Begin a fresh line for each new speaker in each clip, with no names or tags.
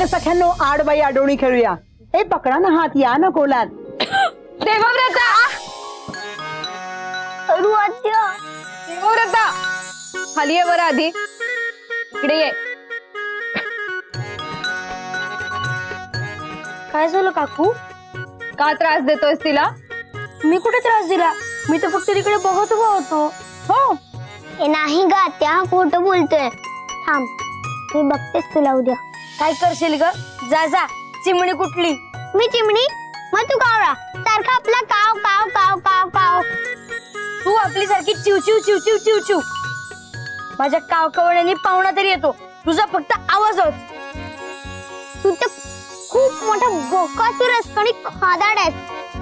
अगं सख्यांनो आड बाई आडोणी खेळूया. ए पकडा ना हात, या ना कोलात.
देवव्रता देवव्रता खाली ये बरं आधी. इकडे ये.
काय झालं काकू?
का त्रास देतोयस तिला?
मी कुठे त्रास दिला? मी तर फक्त तिकडे बघत उभा होतो.
हो
ए नाही ग त्या खोटं बोलतोय. थांब मी बघतेस तुला उद्या. काय करशील ग? जा जा. चिमणी कुठली? मी चिमणी? मग तू कावळा सारखा आपला काव काव काव काव काव. तू आपली सारखी चिव चिव चिव चिव चिव चिव. माझ्या काव कवण्याने पाहुणा तरी येतो, तुझा फक्त आवाजच. तू तर खूप मोठा बोकासूर आहेस आणि खादाड आहेस.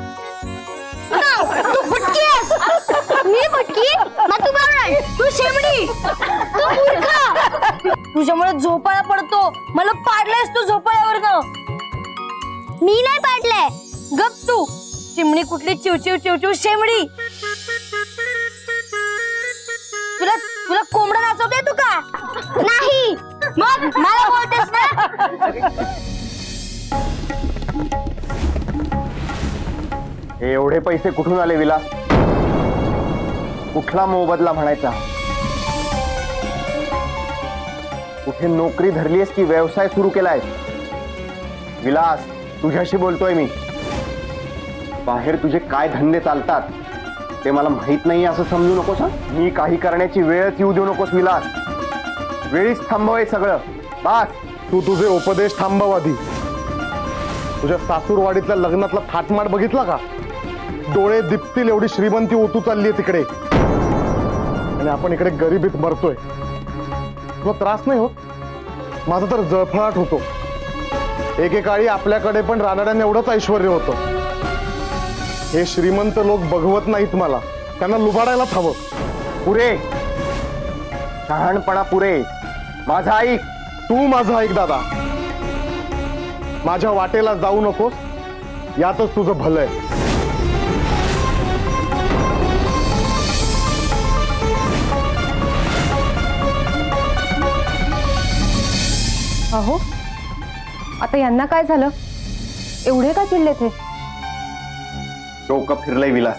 तू फटकी आहेस. मी फटकी? मग तू कावळा, तू शेमडी, तू मूर्ख. तुझ्यामुळे झोपाळा पडतो. मला पाडलायस तू झोपाळ्यावरनं. मी नाही पाडलंय. गप तू. चिमणी कुठली चिव चिव चिव चिव शेमडी. तुला तुला कोंबडा नाचवता येतो का? नाही. मग मला बोलतेस ना.
हे एवढे पैसे कुठून आले विलास? कुठला मोबदला म्हणायचा? कुठे नोकरी धरलीस की व्यवसाय सुरू केलाय? विलास तुझ्याशी बोलतोय मी. बाहेर तुझे काय धंदे चालतात ते मला माहित नाही असं समजू नकोस. मी काही करण्याची वेळच येऊ देऊ नकोस विलास. वेळीच थांबवय सगळं. बस.
तू तुझे उपदेश थांबव आधी. तुझ्या सासूरवाडीतल्या लग्नातला थाटमाट बघितला का? डोळे दिपतील एवढी श्रीमंती ओतू चाललीये तिकडे आणि आपण इकडे गरिबीत मरतोय. तुला त्रास नाही होत? माझा तर जळफळाट होतो. एकेकाळी आपल्याकडे पण रानड्याने एवढंच ऐश्वर होतं. हे श्रीमंत लोक बघवत नाहीत मला. त्यांना लुबाडायलाच हवं.
पुरे शहाणपणा पुरे. माझा ऐक.
तू माझं ऐक दादा. माझ्या वाटेला जाऊ नकोस, यातच तुझं भलं आहे.
अहो आता यांना काय झालं? एवढे का चिडले ते?
डोकं फिरलंय विलास.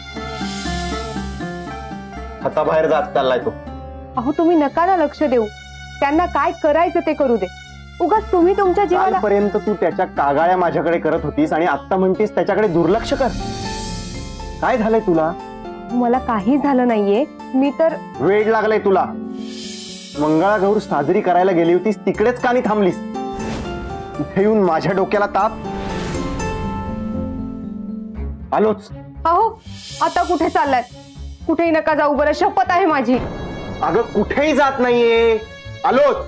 हाताबाहेर जात चाललाय तो.
अहो तुम्ही नका ना लक्ष देऊ. त्यांना काय करायचं ते करू दे. उगाच तुम्ही तुमच्या जीवाला.
कालपर्यंत तू त्याच्या कागाळ्या माझ्याकडे करत होतीस आणि आता म्हणतीस त्याच्याकडे दुर्लक्ष कर. काय झालंय तुला?
मला काही झालं नाहीये. मी तर.
वेळ लागलाय तुला. मंगळागौर साजरी करायला गेली होतीस तिकडेच का नाही थांबलीस? इथे येऊन माझ्या डोक्याला ताप. आलोच.
अहो आता कुठे चाललाय? कुठेही नका जाऊ बरं, शपथ आहे माझी.
अगं कुठेही जात नाहीये. आलोच.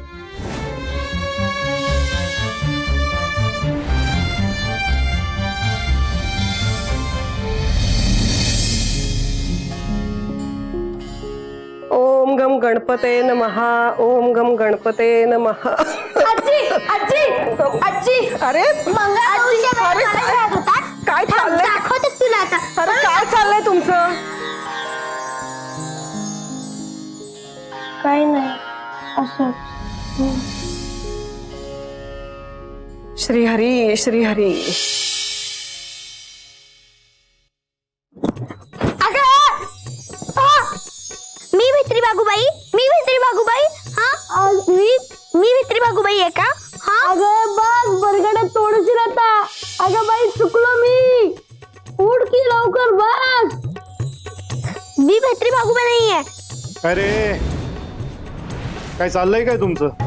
ओम गम गणपते नमः. ओम गम गणपते नमः.
आजी आजी आजी.
अरे काय चाललंय?
दाखवतेस तुला आता.
अरे काय चाललंय तुमचं?
काही नाही असंच.
श्रीहरी श्रीहरी.
मी भित्री बागुबाई. मी भित्री बागुबाई. हा मी भित्री बागुबाई आहे का? हा अगं बस बरगड्यात तोडशील आता. अगं बाई चुकलो मी. उठ की लवकर बस. मी भित्री बागुबाई नाहीये.
अरे काय चाललंय काय तुमचं?